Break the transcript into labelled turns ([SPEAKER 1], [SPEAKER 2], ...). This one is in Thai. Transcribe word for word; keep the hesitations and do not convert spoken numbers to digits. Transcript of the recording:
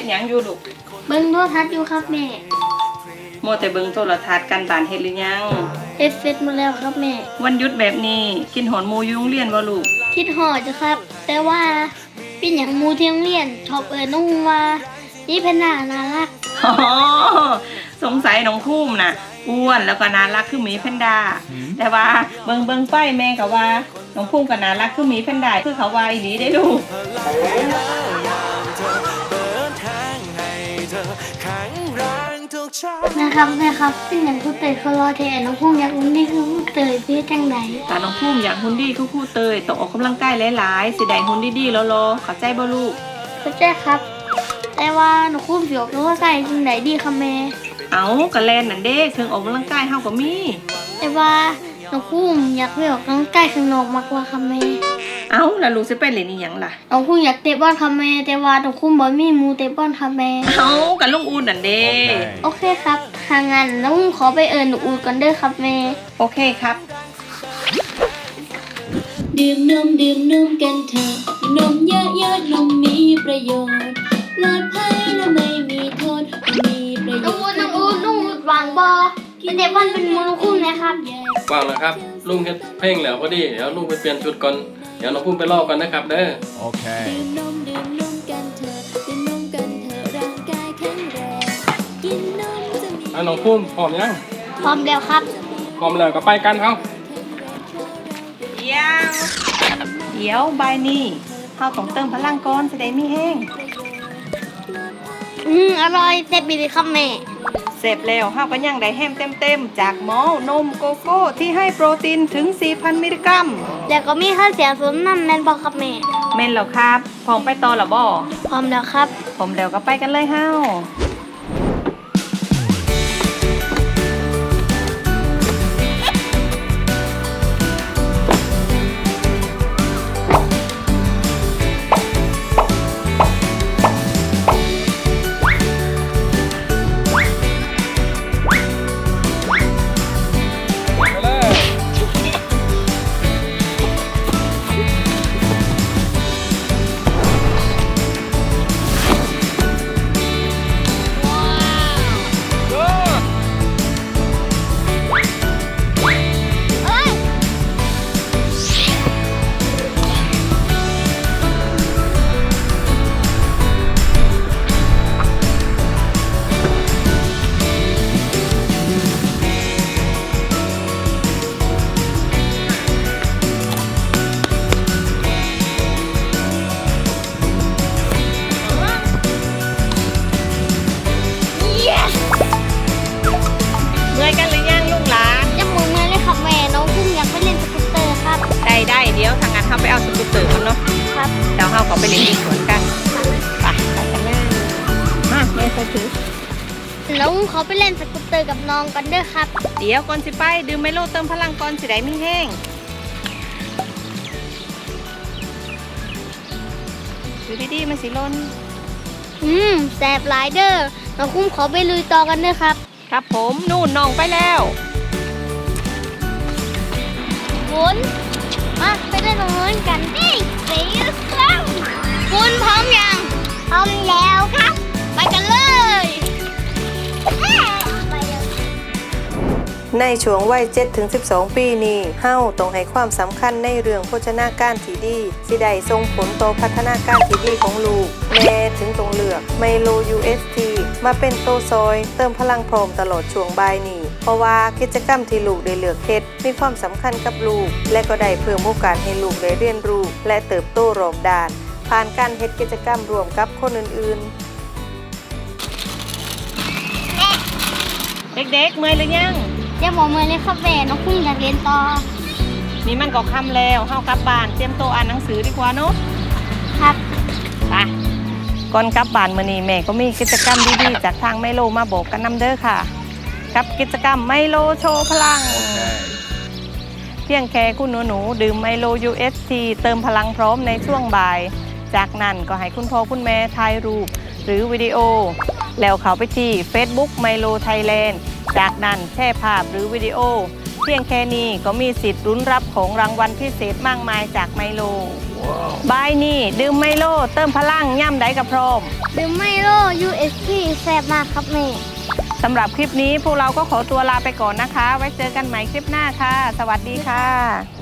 [SPEAKER 1] ดหยังอยู่ลูก
[SPEAKER 2] เบิ่งโทรทัศน์อยู่ครับแม่
[SPEAKER 1] โมแต่เบิ่งโทรทัศน์กันบ้านเฮ็ดหรือยัง
[SPEAKER 2] เฮ็ดเสร็จหมดแล้วครับแม่
[SPEAKER 1] วันหยุดแบบนี้กินหอนหมูอยู่โรงเรียนบ่ลูก
[SPEAKER 2] คิดหอดจ้ะครับแต่ว่าเป็นหยังหมูที่โรงเรียนชอบเอิ้นน้องว่านี่เพนน่าน่ารัก
[SPEAKER 1] อ๋อสงสัยน้องภูมิน่ะอ้วนแล้วก็น่ารักคือหมีแพนด้าแต่ว่าเบิ่งเบิ่งไปแม่ก็ว่าน้องภูมิก็น่ารักคือหมีแพนด้าคือเขาว่าอีหลีได้ลูก
[SPEAKER 2] นะครับแม่ครับเป็นอย่างครูเตยเขารอแทนน้องภูมิอยากอุ่นดีคือครูเตยพี่จังได
[SPEAKER 1] แต่น้องภูมิอยากหุ่นดีคือครูเตยต้องออกกำลังกายหลายๆสิได้หุ่นดีๆรอๆเข้าใจบ่ลูก
[SPEAKER 2] เข้าใจครับแต่ว่าน้องภูมิสิออกกำลังกายจังไดดีค่ะแม่
[SPEAKER 1] เอากะแลนนั่นเด้เครื่องออกกำลังกายเฮาก็มี
[SPEAKER 2] แต่ว่าน้องภูมิอยากไปออกกำลังกายข้างนอกมากกว่าค่ะแม่
[SPEAKER 1] เอ้าแล้วลูกสิไปเล่นอีหยังล่ะ
[SPEAKER 2] น้องภูมิอยากเตะบอลค่ะแม่แต่ว่าน้องภูมิบ่มีหมู่เตะบอลค่ะแม่
[SPEAKER 1] เอ้ากันลุงอูดนั่นเด้
[SPEAKER 2] โอเคครับถ้างั้นน้องภูมิขอไปเอิ้นน้องอูดก่อนเด้อครับแม่
[SPEAKER 1] โอเคครับ
[SPEAKER 3] ดื่มนมดื่มนมกันเถอะนมเยอะๆนมมีประโยชน์ปลอดภัยและไม่มีโทษมีประโยชน์
[SPEAKER 2] น้องอูดน้องอูดน้องอูดวางบอเตะบอลเป็นหมู่น้องภูมินะครับ
[SPEAKER 4] วางแล้วครับลุงเฮ็ดเพลงแล้วพอดีเดี๋ยวลุงไปเปลี่ยนชุดก่อนเดี๋ยวน้องภูมิไปรอกันนะครับเด้อ
[SPEAKER 3] โอเคดื่มนมดื่มนมกันเถอะดื่มนมกันเถอะร่างกายแข็งแรงกินนมจะมี
[SPEAKER 4] อ่ะน้องภูมิพร้อมยัง
[SPEAKER 2] พร้อมแล้วครับ
[SPEAKER 4] พร้อมแล้วก็ไปกันเฮา
[SPEAKER 1] เดี๋ยวเดี๋ยวบ่ายนี้เฮาต้องเติมพลังก่อนสิได้มีแห้ง
[SPEAKER 2] อืมอร่อยแซ่บดีครับแม่
[SPEAKER 1] เสร็จแล้วเฮาก็ยังได้แฮมเต็มๆจากหมอนมโกโก้ที่ให้โปรตีนถึง สี่พัน มิลลิกรัม
[SPEAKER 2] แล้วก็มีข้าวเสียสมน้ำแม่นบ่ครับแม่
[SPEAKER 1] แม่นแล้วครับพร้อมไปต่อแล้วบ่
[SPEAKER 2] พร้อมแล้วครับ
[SPEAKER 1] พร้อมแล้วก็ไปกันเลยเฮาได้เดี๋ยวทางงานเขาไปเอาสกูตเตอร์กันเนาะครับเดี๋ยวเขาขอไปเล่นที่สวนกันไปไปกันเลยมาแม่ไปถือ
[SPEAKER 2] แล้วเขาไปเล่นสกูตเตอร์กับน้องกันเด้อครับ
[SPEAKER 1] เดี๋ยวก่อนสิไปดื่มไมโลเติมพลังก่อนสิได้ไม่แห้งดูดีๆมันสิล้น
[SPEAKER 2] อืมแสบหลายเด้อน้องคุ้มขอไปลุยต่อกันเด้อครับ
[SPEAKER 1] ครับผมนู่นน้องไปแล้ว
[SPEAKER 2] ฝนมาไปเล่นตรงนู้นกันดิสีส้มคุณพร้อมยังพร้อมแล้วครับไปกันเลย
[SPEAKER 5] ในช่วงวัย เจ็ดถึงสิบสอง ปีนี้เฮาต้องให้ความสำคัญในเรื่องโภชนาการที่ดีสิได้ส่งผลต่อพัฒนาการที่ดีของลูกแม่ถึงต้องเลือกไมโล ยู เอส ที มาเป็นโตซอยเติมพลังพร้อมตลอดช่วงบ่ายนี้เพราะว่ากิจกรรมที่ลูกได้เลือกเฮ็ดมีความสำคัญกับลูกและก็ได้เพิ่มโอกาสให้ลูกได้เรียนรู้และเติบโตรอบด้านผ่านการเฮ็ดกิจกรรมร่วมกับคนอื่น
[SPEAKER 1] ๆเด็กๆเมื่อยหรือยัง
[SPEAKER 2] อย่าบอกเมื่อยเลยครับแม่น้องพุ่งอยากเรียนต่อ
[SPEAKER 1] นี่มันก็ค่ำแล้วเฮากลับบ้านเตรียมโตอ่านหนังสือดีกว่าเนาะ
[SPEAKER 2] ครับ
[SPEAKER 1] ไปก่อนกลับบ้านมื้อนี้แม่ก็มีกิจกรรมดีๆจากทางไมโลมาบอกกันนำเด้อค่ะกับกิจกรรมไมโลโชว์พลัง okay. เพียงแค่คุณหนูๆดื่มไมโล ยู เอส ที เติมพลังพร้อมในช่วงบ่ายจากนั้นก็ให้คุณพ่อคุณแม่ถ่ายรูปหรือวิดีโอแล้วเข้าไปที่ Facebook ไมโล ไทยแลนด์ จากนั้นแชร์ภาพหรือวิดีโอเพียงแค่นี้ก็มีสิทธิ์ลุ้นรับของรางวัลพิเศษมากมายจากไมโลบายนี่ดื่มไมโลเติมพลังย่ำได้กับพร้อม
[SPEAKER 2] ดื่มไมโล ยู เอส พี แซ่บมากครับแม่
[SPEAKER 1] สำหรับคลิปนี้พวกเราก็ขอตัวลาไปก่อนนะคะ ไว้เจอกันใหม่คลิปหน้าค่ะ สวัสดีค่ะ